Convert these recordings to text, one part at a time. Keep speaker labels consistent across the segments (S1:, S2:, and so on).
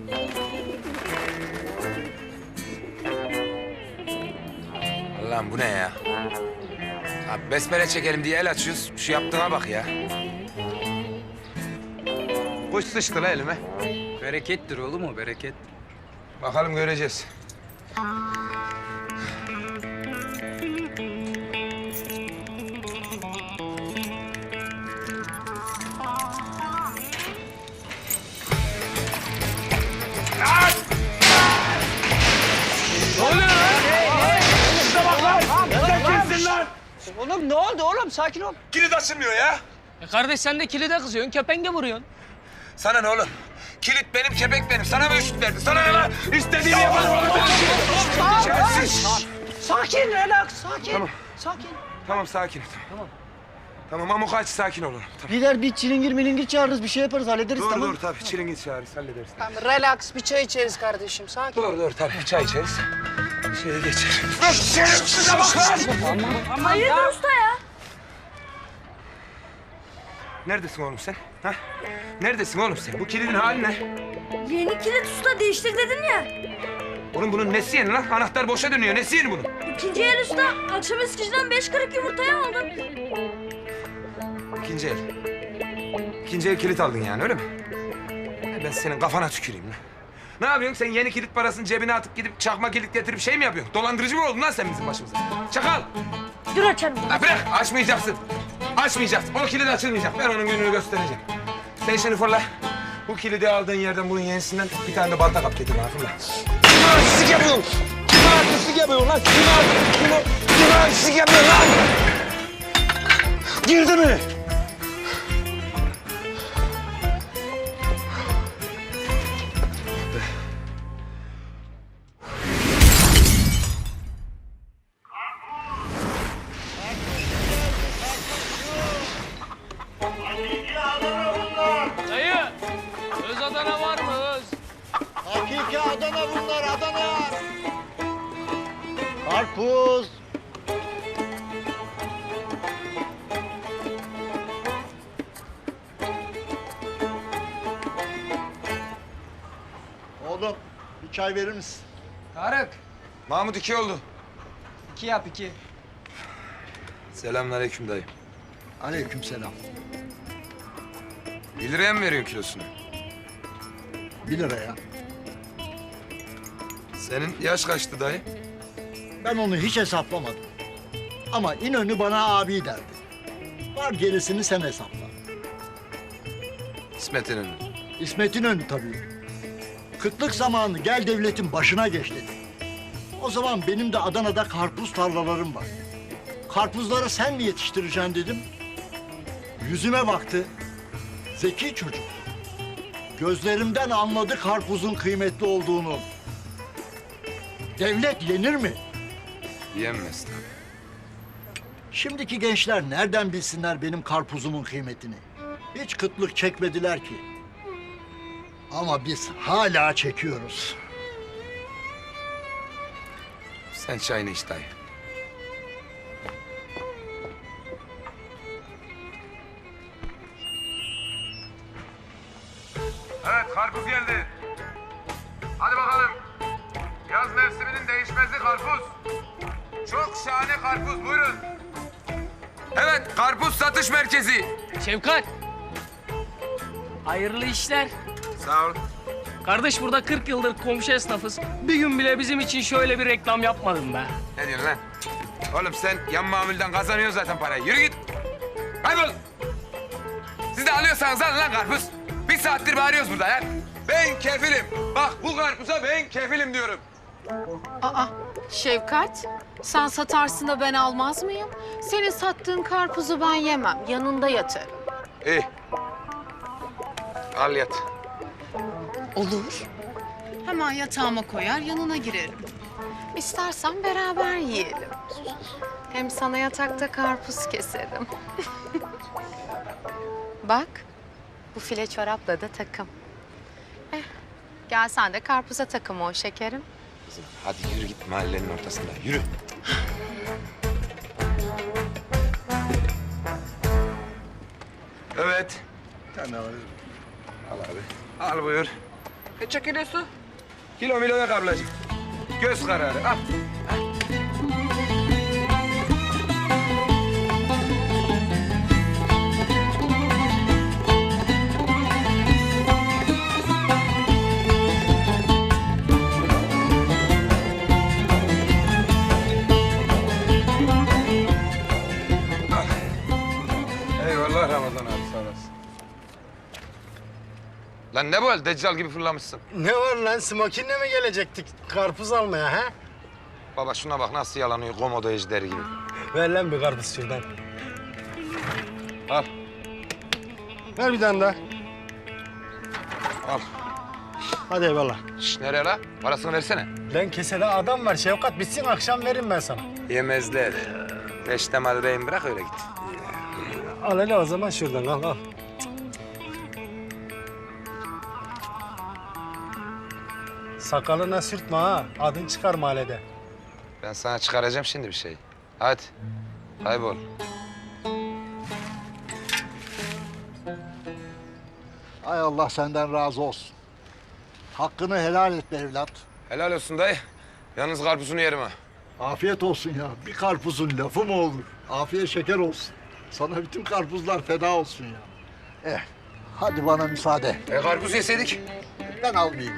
S1: Allah'ım bu ne ya? Abi besmele çekelim diye el açıyoruz. Şu yaptığına bak ya. Kuş sıçtı la elime.
S2: Berekettir oğlum o, bereket.
S1: Bakalım göreceğiz.
S3: Oğlum ne oldu oğlum? Sakin ol.
S1: Kilit açılmıyor ya.
S3: Kardeş sen de kilide kızıyorsun, kepenk vuruyorsun.
S1: Sana ne oğlum? Kilit benim, kepek benim. Sana mı üşüt verdi? Sana ne lan? İstediğini yaparım.
S3: Sakin, relax, sakin.
S1: Tamam.
S3: Sakin.
S1: Tamam, sakin. Tamam, Amokaç sakin olun. Tamam.
S4: Lider bir çilingir milingir çağırırız, bir şey yaparız, hallederiz
S1: Doğru,
S4: tamam.
S1: doğru tabii. Çilingir çağırırız, hallederiz.
S3: Tamam, relax, bir çay içeriz kardeşim, sakin.
S1: Doğru, tabii. Çay içeriz. Şeye geçer. Şerefsize bak lan!
S5: Hayırdır usta ya?
S1: Neredesin oğlum sen? Ha? Neredesin oğlum sen? Bu kilidin hali ne?
S5: Yeni kilit usta değiştir dedin ya.
S1: Oğlum bunun nesi yeni lan? Anahtar boşa dönüyor. Nesi yeni bunun?
S5: İkinci el usta. Akşam eskiciden 5 kırık yumurtayı aldım.
S1: İkinci el. İkinci el kilit aldın yani öyle mi? Ben senin kafana tüküreyim lan. Ne yapıyorsun? Sen yeni kilit parasını cebine atıp gidip çakma kilit getirip şey mi yapıyorsun? Dolandırıcı mı oldun lan sen bizim başımıza? Çakal!
S5: Dur açarım.
S1: Ha bırak! Açmayacaksın. Açmayacaksın. O kilit açılmayacak. Ben onun gününü göstereceğim. Sen şimdi fırla. Bu kilidi aldığın yerden bunun yenisinden bir tane de balta kap getir bana fırla. Kime artistlik yapıyorsun? Kime artistlik yapıyorsun lan? Kime artistlik yapıyorsun lan? Girdi mi?
S3: Dayı, öz Adana var mı öz?
S4: Hakiki Adana bunlar, Adana. Karpuz. Oğlum, bir çay verir misin?
S3: Tarık,
S1: Mahmut 2 oldu.
S3: 2 yap 2.
S1: Selamünaleyküm dayı.
S4: Aleykümselam.
S1: 1 liraya mı veriyorsun kilosunu?
S4: 1 liraya.
S1: Senin yaş kaçtı dayı?
S4: Ben onu hiç hesaplamadım. Ama İnönü bana abi derdi. Var gerisini sen hesapla.
S1: İsmet İnönü.
S4: İsmet İnönü tabii. Kıtlık zamanı gel devletin başına geç dedi. O zaman benim de Adana'da karpuz tarlalarım var. Karpuzları sen mi yetiştireceksin dedim. Yüzüme baktı. Zeki çocuk. Gözlerimden anladı karpuzun kıymetli olduğunu. Devlet yenir mi?
S1: Yenmez tabii.
S4: Şimdiki gençler nereden bilsinler benim karpuzumun kıymetini? Hiç kıtlık çekmediler ki. Ama biz hala çekiyoruz.
S1: Sen çayını iç dayı. Evet, karpuz geldi. Hadi bakalım. Yaz mevsiminin değişmezi karpuz. Çok şahane karpuz, buyurun. Evet, karpuz satış merkezi.
S3: Şevkat. Hayırlı işler.
S1: Sağ ol.
S3: Kardeş burada 40 yıldır komşu esnafız. Bir gün bile bizim için şöyle bir reklam yapmadın be.
S1: Ne diyorsun lan? Oğlum sen yan mamulden kazanıyorsun zaten parayı. Yürü git. Kaybol. Siz de alıyorsanız alın lan karpuz. 1 saattir bağırıyoruz burada ya. Ben kefilim. Bak bu karpuza ben kefilim diyorum.
S6: Aa, Şevkat, sen satarsın da ben almaz mıyım? Senin sattığın karpuzu ben yemem, yanında yatarım.
S1: İyi. Al yat.
S6: Olur. Hemen yatağıma koyar, yanına girerim. İstersen beraber yiyelim. Hem sana yatakta karpuz keserim. Bak, bu file çorapla da takım. Gel sen de karpuza takım ol şekerim.
S1: Kızım hadi yürü git mahallenin ortasında. Yürü. Evet.
S4: Sen de
S1: Al abi. Al buyur.
S2: Kaça kilosu?
S1: Kilo milo yok ablacığım. Göz kararı. Al. Eyvallah Ramazan abi, sağ olasın. Lan ne bu hal? Deccal gibi fırlamışsın.
S7: Ne var lan? Smokin'le mi gelecektik karpuz almaya ha?
S1: Baba şuna bak nasıl yalanıyor komodo ejderi gibi.
S7: Ver lan bir karpuz şuradan.
S1: Al,
S7: Ver bir tane daha.
S1: al.
S7: Hadi eyvallah.
S1: Şş, nereye la? Parasını versene.
S7: Lan kesede adam var Şevkat. Bitsin akşam veririm ben sana.
S1: Yemezler. Peştemal rehin bırak öyle git.
S7: Al hele o zaman şuradan al. Sakalına sürtme ha. Adın çıkar mahallede.
S1: Ben sana çıkaracağım şimdi bir şey. Hadi. Kaybol.
S4: Ay Allah senden razı olsun. Hakkını helal et be evlat.
S1: Helal olsun dayı. Yalnız karpuzunu yerim ha.
S4: Afiyet olsun ya. Bir karpuzun lafı mı olur? Afiyet şeker olsun. Sana bütün karpuzlar feda olsun ya. Hadi bana müsaade.
S1: Karpuz yeseydik.
S4: Ben almayayım.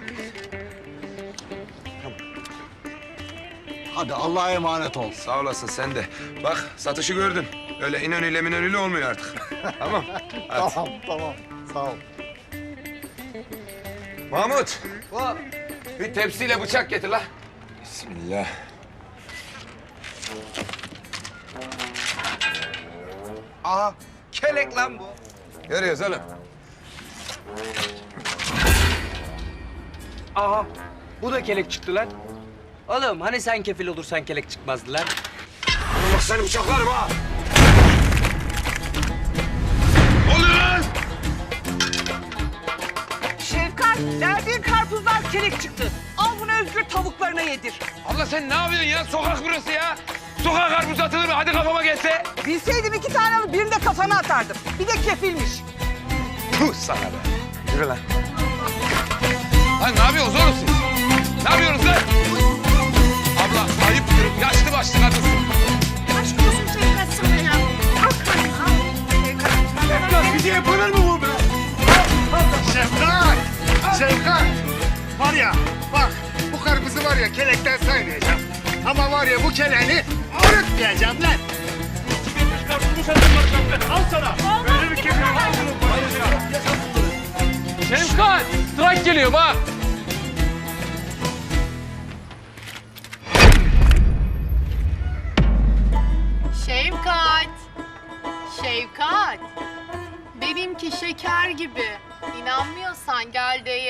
S4: Hadi Allah'a emanet ol.
S1: Sağ olasın sen de. Bak satışı gördün. Öyle İnönü'yle Minönü'yle olmuyor artık. Tamam. Hadi.
S4: Tamam. Sağ ol.
S1: Mahmut. Bir tepsiyle bıçak getir la. Bismillah.
S2: Aha, kelek lan bu.
S1: Görüyoruz oğlum.
S2: Aha, bu da kelek çıktı lan. Oğlum hani sen kefil olursan kelek çıkmazdı lan.
S1: Bak seni bıçaklarım ha. Ne oluyor lan?
S8: Şevkat, verdiğin karpuzdan kelek çıktı. Al bunu Özgür tavuklarına yedir.
S1: Abla sen ne yapıyorsun ya? Sokak burası ya. Sokak karpuz atılır mı? Hadi kafama gelse.
S8: Bilseydim 2 tane alıp birini de kafana atardım. Bir de kefilmiş.
S1: Puh sana be. Yürü lan. Lan ne yapıyorsunuz oğlum siz? Ne yapıyorsunuz lan? Abla ayıptır. Yaşlı başlı kadınsın.
S5: Aşk olsun Şevkat sana ya.
S7: Bize yapılır mı bu be? Şevkat! Var ya bak bu karpuzu var ya kelekten saymayacağım. Ama var ya bu keleğini unutmayacağım lan.
S3: Şevkat! Strike geliyor bak.
S6: Şevkat. Şevkat. Benimki şeker gibi. İnanmıyorsan gel de